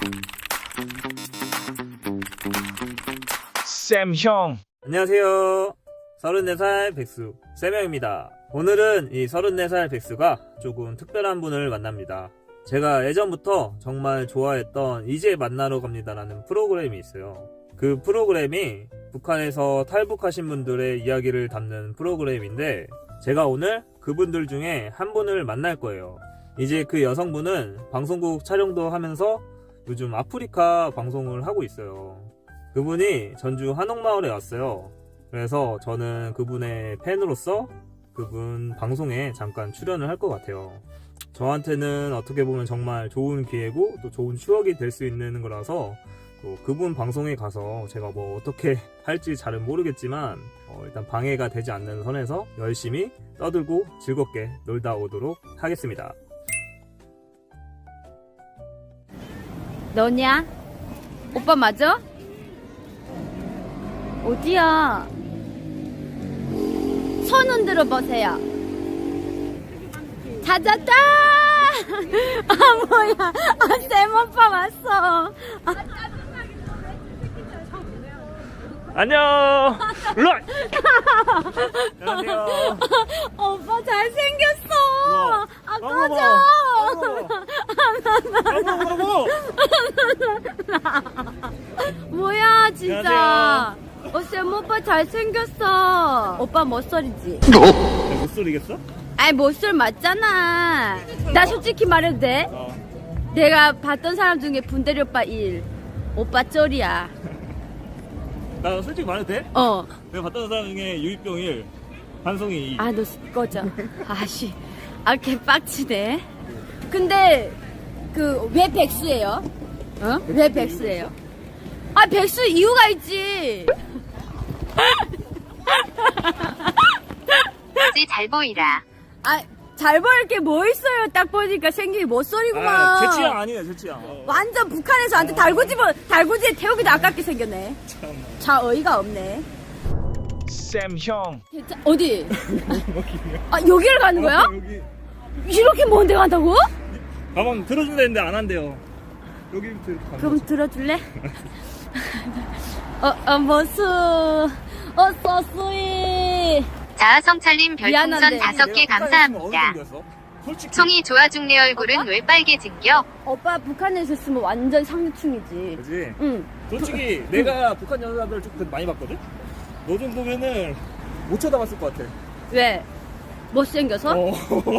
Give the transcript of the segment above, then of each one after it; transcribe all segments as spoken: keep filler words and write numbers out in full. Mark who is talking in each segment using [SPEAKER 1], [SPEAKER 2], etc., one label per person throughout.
[SPEAKER 1] 쌤 형.
[SPEAKER 2] 안녕하세요. 서른네 살 백수 쌤형입니다. 오늘은 이 서른네 살 백수가 조금 특별한 분을 만납니다. 제가 예전부터 정말 좋아했던 이제 만나러 갑니다라는 프로그램이 있어요. 그 프로그램이 북한에서 탈북하신 분들의 이야기를 담는 프로그램인데, 제가 오늘 그분들 중에 한 분을 만날 거예요. 이제 그 여성분은 방송국 촬영도 하면서 요즘 아프리카 방송을 하고 있어요. 그분이 전주 한옥마을에 왔어요. 그래서 저는 그분의 팬으로서 그분 방송에 잠깐 출연을 할 것 같아요. 저한테는 어떻게 보면 정말 좋은 기회고 또 좋은 추억이 될 수 있는 거라서, 또 그분 방송에 가서 제가 뭐 어떻게 할지 잘은 모르겠지만 어 일단 방해가 되지 않는 선에서 열심히 떠들고 즐겁게 놀다 오도록 하겠습니다.
[SPEAKER 3] 너냐? 오빠 맞아? 어디야? 손 흔들어 보세요. 찾았다! 아 뭐야? 아 쌤 오빠 왔어. 아,
[SPEAKER 2] 안녕. 일로와. 안녕하세요.
[SPEAKER 3] 오빠 잘생겼어. 아 꺼져. 뭐야 진짜. 어, 쌤 오빠 잘생겼어. 오빠 멋소리지?
[SPEAKER 2] 못 소리겠어?
[SPEAKER 3] 아이 멋소리 맞잖아. 나 솔직히 말해도 돼?
[SPEAKER 2] 어.
[SPEAKER 3] 내가 봤던 사람 중에 분대리 오빠 일, 오빠 쩔이야.
[SPEAKER 2] 나 솔직히 말해도 돼?
[SPEAKER 3] 어.
[SPEAKER 2] 내가 봤던 사람 중에 유이병 일, 한송이 이.
[SPEAKER 3] 아 너 꺼져. 아씨. 아 개빡치네. 근데 그 왜 백수예요? 어? 왜 백수예요? 아 백수 이유가 있지.
[SPEAKER 4] 잘 보이라.
[SPEAKER 3] 아 잘 보일 게 뭐 있어요? 딱 보니까 생긴 멋소리구만.
[SPEAKER 2] 아, 제 취향 아니에요, 제 취향. 어.
[SPEAKER 3] 완전 북한에서 완전 달구지만 달구지에 태우기도 아깝게 생겼네.
[SPEAKER 2] 참.
[SPEAKER 3] 자 어이가 없네.
[SPEAKER 1] 쌤 형.
[SPEAKER 3] 대체 어디? 아 여기를 가는 거야?
[SPEAKER 2] 여기
[SPEAKER 3] 이렇게 먼데 간다고?
[SPEAKER 2] 가방 들어준다 했는데 안 한대요. 여기부터 이렇게 가는
[SPEAKER 3] 그럼
[SPEAKER 2] 거지.
[SPEAKER 3] 들어줄래? 어, 어, 머수. 어, 서수이.
[SPEAKER 4] 자, 성찰님
[SPEAKER 3] 미안한데.
[SPEAKER 4] 별풍선 다섯 개
[SPEAKER 2] 내가
[SPEAKER 4] 감사합니다.
[SPEAKER 2] 북한에 있으면 어느 정도였어? 솔직히.
[SPEAKER 4] 송이 좋아 죽네 얼굴은
[SPEAKER 3] 아빠?
[SPEAKER 4] 왜 빨개진겨?
[SPEAKER 3] 오빠 북한에 있었으면 완전 상류층이지.
[SPEAKER 2] 그지?
[SPEAKER 3] 응.
[SPEAKER 2] 솔직히 내가 북한 여자들 좀 많이 봤거든? 너 정도면은 못 쳐다봤을 것 같아.
[SPEAKER 3] 왜? 못생겨서?
[SPEAKER 2] 어.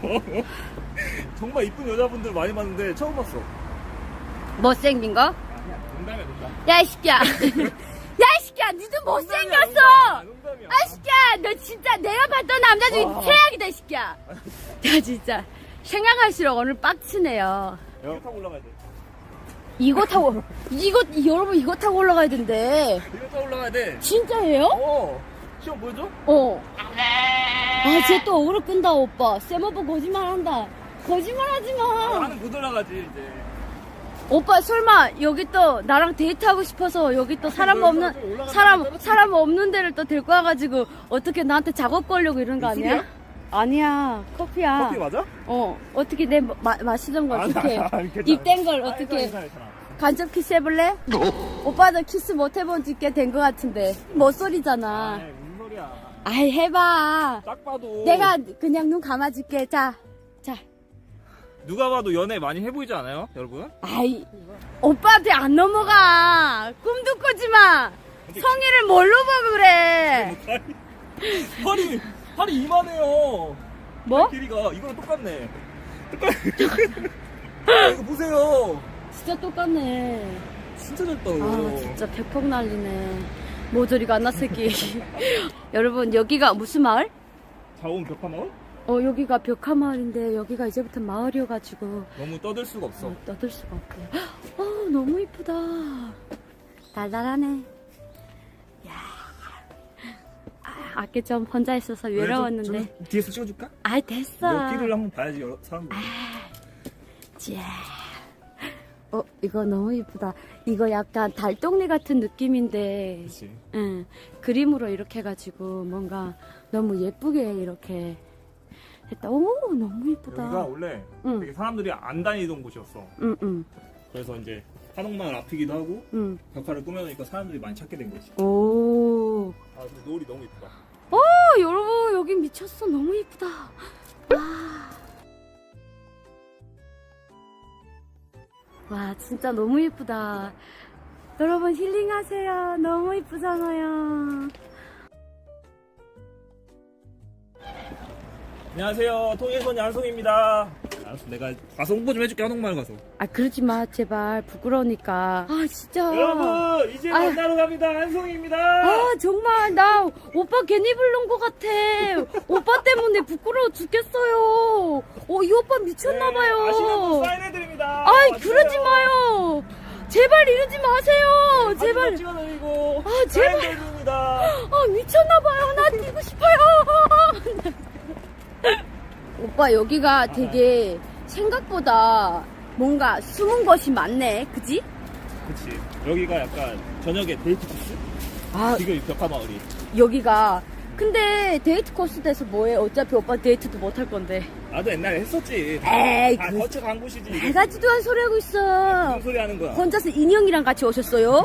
[SPEAKER 2] 정말 이쁜 여자분들 많이 봤는데 처음 봤어.
[SPEAKER 3] 못생긴 거?
[SPEAKER 2] 아니야, 농담이야, 농담.
[SPEAKER 3] 야, 이 새끼야. 야, 이 새끼야. 니도 못생겼어.
[SPEAKER 2] 농담이야, 농담이야.
[SPEAKER 3] 아, 이 새끼야. 너 진짜 내가 봤던 남자 중에
[SPEAKER 2] 와.
[SPEAKER 3] 최악이다, 이 새끼야. 야, 진짜. 생각할수록 오늘 빡치네요.
[SPEAKER 2] 이거 타고 올라가야 돼.
[SPEAKER 3] 이거 타고, 이거, 여러분 이거 타고 올라가야 된대.
[SPEAKER 2] 이거 타고 올라가야 돼.
[SPEAKER 3] 진짜예요?
[SPEAKER 2] 어. 시험 보여줘?
[SPEAKER 3] 어. 아, 쟤 또 억울로 끈다, 오빠. 쌤 오빠 거짓말 한다. 거짓말 하지 마.
[SPEAKER 2] 나는 못 올라가지, 이제.
[SPEAKER 3] 오빠, 설마, 여기 또, 나랑 데이트하고 싶어서, 여기 또 사람 없는, 사람, 사람 없는 데를 또 데리고 와가지고, 어떻게 나한테 작업 걸려고 이런 거 아니야?
[SPEAKER 2] 술이야?
[SPEAKER 3] 아니야, 커피야.
[SPEAKER 2] 커피 맞아?
[SPEAKER 3] 어, 어떻게 내 마, 마시던 걸
[SPEAKER 2] 아니,
[SPEAKER 3] 어떻게,
[SPEAKER 2] 아니, 아니, 괜찮아.
[SPEAKER 3] 입댄 걸
[SPEAKER 2] 아니,
[SPEAKER 3] 어떻게,
[SPEAKER 2] 괜찮아, 괜찮아.
[SPEAKER 3] 간접 키스 해볼래? 오빠도 키스 못 해본 지 꽤 된 것 같은데. 멋소리잖아.
[SPEAKER 2] 아이, 무슨 소리야.
[SPEAKER 3] 아이, 해봐.
[SPEAKER 2] 딱 봐도.
[SPEAKER 3] 내가 그냥 눈 감아줄게. 자, 자.
[SPEAKER 2] 누가 봐도 연애 많이 해보이지 않아요, 여러분?
[SPEAKER 3] 아이, 오빠한테 안 넘어가. 꿈도 꾸지 마. 성의를 뭘로 보고 그래.
[SPEAKER 2] 팔이, 팔이 이만해요.
[SPEAKER 3] 뭐?
[SPEAKER 2] 팔 길이가 이거랑 똑같네. 똑같. 이거 보세요.
[SPEAKER 3] 진짜 똑같네.
[SPEAKER 2] 진짜 작다.
[SPEAKER 3] 아, 진짜 백폭 난리네. 모조리가 안 났을기. 여러분, 여기가 무슨 마을?
[SPEAKER 2] 자원 벽화마을?
[SPEAKER 3] 어, 여기가 벽화 마을인데, 여기가 이제부터 마을이어가지고.
[SPEAKER 2] 너무 떠들 수가 없어.
[SPEAKER 3] 어, 떠들 수가 없고. 어, 너무 이쁘다. 달달하네. 야. 아, 아까 좀 혼자 있어서 외로웠는데.
[SPEAKER 2] 좀, 좀 뒤에서 찍어줄까?
[SPEAKER 3] 아이, 됐어.
[SPEAKER 2] 여기를 한번 봐야지, 여러 사람들.
[SPEAKER 3] 자. 어, 이거 너무 이쁘다. 이거 약간 달동네 같은 느낌인데,
[SPEAKER 2] 그치.
[SPEAKER 3] 응, 그림으로 이렇게 해가지고 뭔가 너무 예쁘게 이렇게 했다. 오, 너무 이쁘다.
[SPEAKER 2] 여기가 원래
[SPEAKER 3] 응.
[SPEAKER 2] 되게 사람들이 안 다니던 곳이었어.
[SPEAKER 3] 응, 응.
[SPEAKER 2] 그래서 이제 한옥마을 앞이기도 하고
[SPEAKER 3] 응.
[SPEAKER 2] 벽화를 꾸며놓으니까 사람들이 많이 찾게 된 거지.
[SPEAKER 3] 오.
[SPEAKER 2] 아 근데 노을이 너무 이쁘다.
[SPEAKER 3] 어, 여러분 여기 미쳤어. 너무 이쁘다. 와. 와, 진짜 너무 이쁘다. 여러분 힐링하세요. 너무 이쁘잖아요.
[SPEAKER 2] 안녕하세요. 통일소녀 한송입니다. 알았어, 내가 가서 홍보 좀 해줄게. 한옥마을 가서.
[SPEAKER 3] 아, 그러지 마. 제발. 부끄러우니까. 아, 진짜.
[SPEAKER 2] 여러분 이제
[SPEAKER 3] 아유.
[SPEAKER 2] 만나러 갑니다. 한송입니다.
[SPEAKER 3] 아, 정말 나 오빠 괜히 부른 것 같아. 오빠 때문에 부끄러워 죽겠어요. 어, 이 오빠 미쳤나봐요.
[SPEAKER 2] 네, 아시는 분 사인해드립니다.
[SPEAKER 3] 아이,
[SPEAKER 2] 와주세요.
[SPEAKER 3] 그러지 마요. 제발 이러지 마세요. 제발.
[SPEAKER 2] 사진도 찍어드리고
[SPEAKER 3] 아, 제발.
[SPEAKER 2] 사인해드립니다.
[SPEAKER 3] 아, 미쳤나봐요. 나 뛰고 싶어요. 오빠, 여기가 되게 생각보다 뭔가 숨은 것이 많네. 그지?
[SPEAKER 2] 그치. 여기가 약간 저녁에 데이트 코스?
[SPEAKER 3] 아,
[SPEAKER 2] 지금 이 벽화 마을이.
[SPEAKER 3] 여기가. 근데 데이트 코스 돼서 뭐해? 어차피 오빠 데이트도 못 할 건데.
[SPEAKER 2] 나도 옛날에 했었지.
[SPEAKER 3] 에이,
[SPEAKER 2] 다
[SPEAKER 3] 그-
[SPEAKER 2] 거쳐 간 곳이지. 이게.
[SPEAKER 3] 해가지도 한 소리 하고 있어.
[SPEAKER 2] 무슨 소리 하는 거야?
[SPEAKER 3] 혼자서 인형이랑 같이 오셨어요?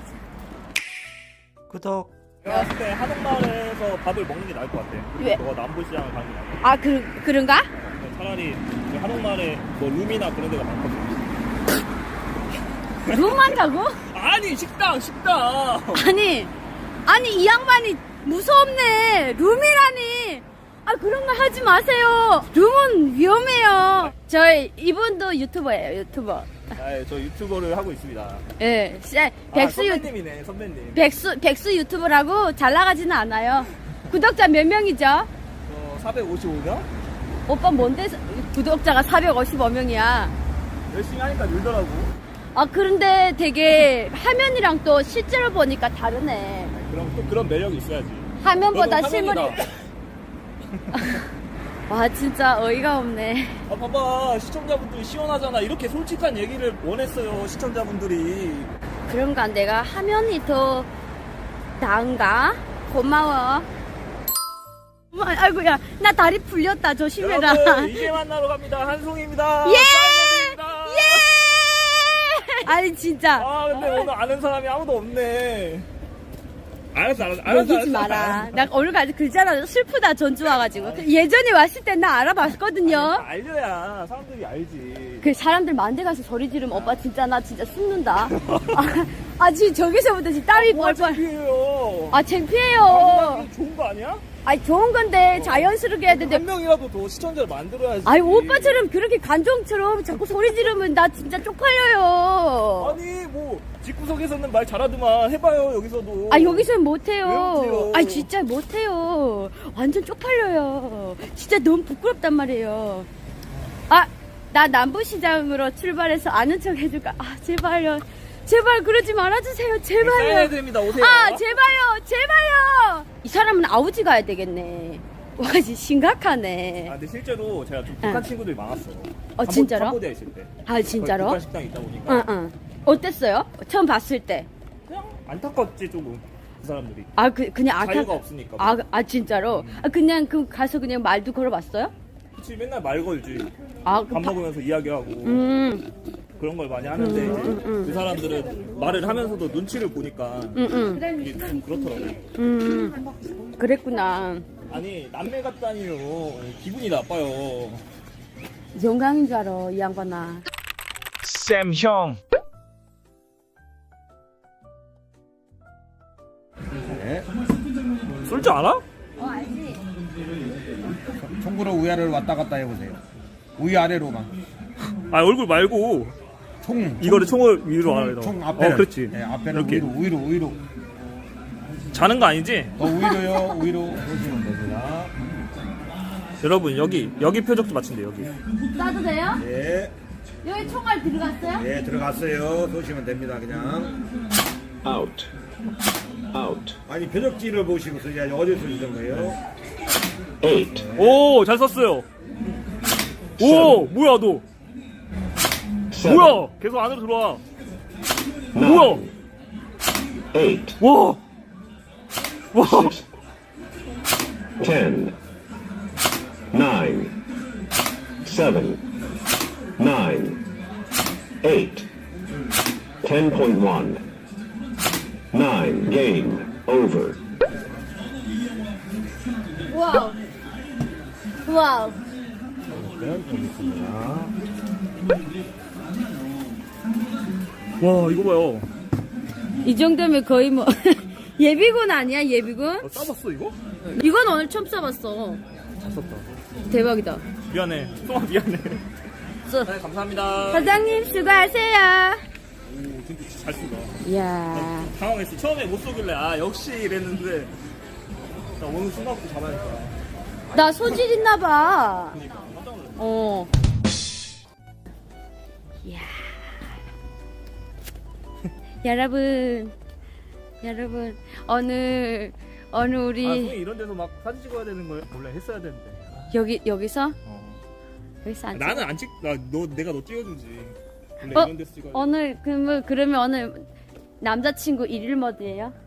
[SPEAKER 2] 구독. 내가 봤을 때 한옥마을에서 밥을 먹는 게 나을 것 같아.
[SPEAKER 3] 왜?
[SPEAKER 2] 너가 남부시장을 가는 게 나을 것 같아.
[SPEAKER 3] 아, 그, 그런가?
[SPEAKER 2] 차라리 그 한옥마을에 뭐 룸이나 그런 데가 많거든.
[SPEAKER 3] 룸 많다고?
[SPEAKER 2] 아니 식당 식당.
[SPEAKER 3] 아니, 아니, 이 양반이 무섭네. 룸이라니. 아, 그런 거 하지 마세요. 룸은 위험해요. 저희, 이분도 유튜버예요, 유튜버.
[SPEAKER 2] 아, 저 유튜버를 하고 있습니다.
[SPEAKER 3] 예, 네,
[SPEAKER 2] 아,
[SPEAKER 3] 백수, 유,
[SPEAKER 2] 선배님이네 선배님.
[SPEAKER 3] 백수, 백수 유튜브라고 잘 나가지는 않아요. 구독자 몇 명이죠?
[SPEAKER 2] 어, 사백오십오 명?
[SPEAKER 3] 오빠 뭔데 구독자가 사백오십오 명이야?
[SPEAKER 2] 열심히 하니까 늘더라고.
[SPEAKER 3] 아, 그런데 되게 화면이랑 또 실제로 보니까 다르네.
[SPEAKER 2] 그럼 또 그런 매력이 있어야지.
[SPEAKER 3] 화면보다
[SPEAKER 2] 너는
[SPEAKER 3] 실물이.
[SPEAKER 2] 화면이다.
[SPEAKER 3] 와, 진짜 어이가 없네.
[SPEAKER 2] 아 봐봐 시청자분들이 시원하잖아. 이렇게 솔직한 얘기를 원했어요 시청자분들이.
[SPEAKER 3] 그런가? 내가 화면이 더 나은가? 고마워. 어머, 아이고야, 나 다리 풀렸다. 조심해라.
[SPEAKER 2] 여러분 이제 만나러 갑니다. 한송입니다.
[SPEAKER 3] 예!
[SPEAKER 2] 사인해드립니다.
[SPEAKER 3] 예! 아니, 진짜.
[SPEAKER 2] 아 근데 오늘 아는 사람이 아무도 없네. 알았어 알았어 알았어.
[SPEAKER 3] 얘기지
[SPEAKER 2] 알았어,
[SPEAKER 3] 마라.
[SPEAKER 2] 알았어.
[SPEAKER 3] 나 오늘까지 글자나 슬프다. 전주 와가지고. 예전에 왔을 때 나 알아봤거든요.
[SPEAKER 2] 알려야 사람들이 알지.
[SPEAKER 3] 그 사람들 만대 가서 소리 지르면 오빠 진짜 나 진짜 숨는다. 아, 아 지금 저기서부터 지금 땀이
[SPEAKER 2] 뭐가
[SPEAKER 3] 뻘뻘.
[SPEAKER 2] 창피해요.
[SPEAKER 3] 아 창피해요.
[SPEAKER 2] 아, 좋은 거 아니야?
[SPEAKER 3] 아니 좋은 건데 자연스럽게 해야 되는데.
[SPEAKER 2] 한 명이라도 더 시청자를 만들어야지.
[SPEAKER 3] 아니 오빠처럼 그렇게 간종처럼 자꾸 소리 지르면 나 진짜 쪽팔려요.
[SPEAKER 2] 아니 뭐 집구석에서는 말 잘하더만 해봐요 여기서도.
[SPEAKER 3] 아 여기서는
[SPEAKER 2] 왜
[SPEAKER 3] 못해요.
[SPEAKER 2] 못해요?
[SPEAKER 3] 아 진짜 못해요. 완전 쪽팔려요. 진짜 너무 부끄럽단 말이에요. 아 나 남부시장으로 출발해서 아는 척 해줄까? 아 제발요. 제발 그러지 말아주세요. 제발요.
[SPEAKER 2] 사인해야 됩니다. 오세요.
[SPEAKER 3] 아 제발요. 제발요. 이 사람은 아우지 가야 되겠네. 와 진짜 심각하네.
[SPEAKER 2] 아 근데 실제로 제가 좀 북한
[SPEAKER 3] 응.
[SPEAKER 2] 친구들이 많았어.
[SPEAKER 3] 어, 진짜로?
[SPEAKER 2] 캄보디아 있을 때.
[SPEAKER 3] 아 진짜로?
[SPEAKER 2] 북한 식당 있다 보니까
[SPEAKER 3] 응응. 어땠어요? 처음 봤을 때.
[SPEAKER 2] 그냥 안타깝지 조금 그 사람들이.
[SPEAKER 3] 아 그 그냥 아까
[SPEAKER 2] 자유가 없으니까.
[SPEAKER 3] 아, 아 진짜로? 아 그냥 그 가서 그냥 말도 걸어봤어요?
[SPEAKER 2] 그치 맨날 말 걸지.
[SPEAKER 3] 아, 그
[SPEAKER 2] 밥
[SPEAKER 3] 바-
[SPEAKER 2] 먹으면서 이야기하고
[SPEAKER 3] 음,
[SPEAKER 2] 그런 걸 많이 하는데 이제
[SPEAKER 3] 음.
[SPEAKER 2] 그 사람들은 말을 하면서도 눈치를 보니까
[SPEAKER 3] 음, 음,
[SPEAKER 2] 이게 좀 그렇더라고.
[SPEAKER 3] 음, 그랬구나.
[SPEAKER 2] 아니 남매 같다니요. 기분이 나빠요.
[SPEAKER 3] 영광인 줄 알아, 이 양반아.
[SPEAKER 1] 쌤 형.
[SPEAKER 2] 쏠 줄 알아?
[SPEAKER 3] 어, 알지?
[SPEAKER 5] 총구로 위아래로 왔다 갔다 해보세요. 위아래로만.
[SPEAKER 2] 아 얼굴 말고
[SPEAKER 5] 총.
[SPEAKER 2] 이거를 총을 위로 아래로.
[SPEAKER 5] 총 앞에는.
[SPEAKER 2] 어 그렇지.
[SPEAKER 5] 네, 앞에는
[SPEAKER 2] 이렇게
[SPEAKER 5] 위로, 위로, 위로.
[SPEAKER 2] 자는 거 아니지?
[SPEAKER 5] 더 위로요, 위로. 보시면 됩니다.
[SPEAKER 2] 여러분 여기 여기 표적도 맞춘대 여기.
[SPEAKER 3] 쏴도 돼요?
[SPEAKER 5] 예,
[SPEAKER 3] 여기 총알 들어갔어요?
[SPEAKER 5] 예, 들어갔어요. 보시면 됩니다, 그냥.
[SPEAKER 6] out, out,
[SPEAKER 5] 아니, 표적지를 보시고 써야지. 어디서 쓰는 거예요?
[SPEAKER 6] eight,
[SPEAKER 2] 오 잘 썼어요. 오 뭐야 너?
[SPEAKER 6] seven,
[SPEAKER 2] 뭐야? 계속 안으로 들어와. 뭐야?
[SPEAKER 6] eight,
[SPEAKER 2] 와. 와.
[SPEAKER 6] ten, nine, seven, nine, eight, ten point one. nine. Game over.
[SPEAKER 3] 와우. 와우.
[SPEAKER 5] 그러면 보겠습니다.
[SPEAKER 2] 와 이거 봐요.
[SPEAKER 3] 이 정도면 거의 뭐 예비군 아니야 예비군?
[SPEAKER 2] 어, 싸봤어 이거?
[SPEAKER 3] 이건 오늘 처음 써봤어.
[SPEAKER 2] 잘 썼다.
[SPEAKER 3] 대박이다.
[SPEAKER 2] 미안해. 송아 미안해.
[SPEAKER 3] 써.
[SPEAKER 2] 네 감사합니다.
[SPEAKER 3] 사장님 수고하세요.
[SPEAKER 2] 오 진짜 잘 쓴다.
[SPEAKER 3] 이야.
[SPEAKER 2] 당황했어. 처음에 못 쏘길래 아 역시 이랬는데 나 오늘 순간부터 잡아야겠다.
[SPEAKER 3] 나 소질 있나봐.
[SPEAKER 2] 그러니까 깜짝 놀랐네.
[SPEAKER 3] 어. 이야. 여러분, 여러분, 어느, 어느
[SPEAKER 2] 아
[SPEAKER 3] 우리,
[SPEAKER 2] 송이 이런 데서 막 사진 찍어야 되는 거예요? 원래 했어야 되는데.
[SPEAKER 3] 여기, 여기서?
[SPEAKER 2] 어.
[SPEAKER 3] 여기서 안
[SPEAKER 2] 나는 안 찍. 나너 내가 너 찍어주지. 원래
[SPEAKER 3] 어?
[SPEAKER 2] 이런 데서 찍어야 돼.
[SPEAKER 3] 오늘, 그, 뭐, 그러면 오늘 남자친구 일일 모드예요?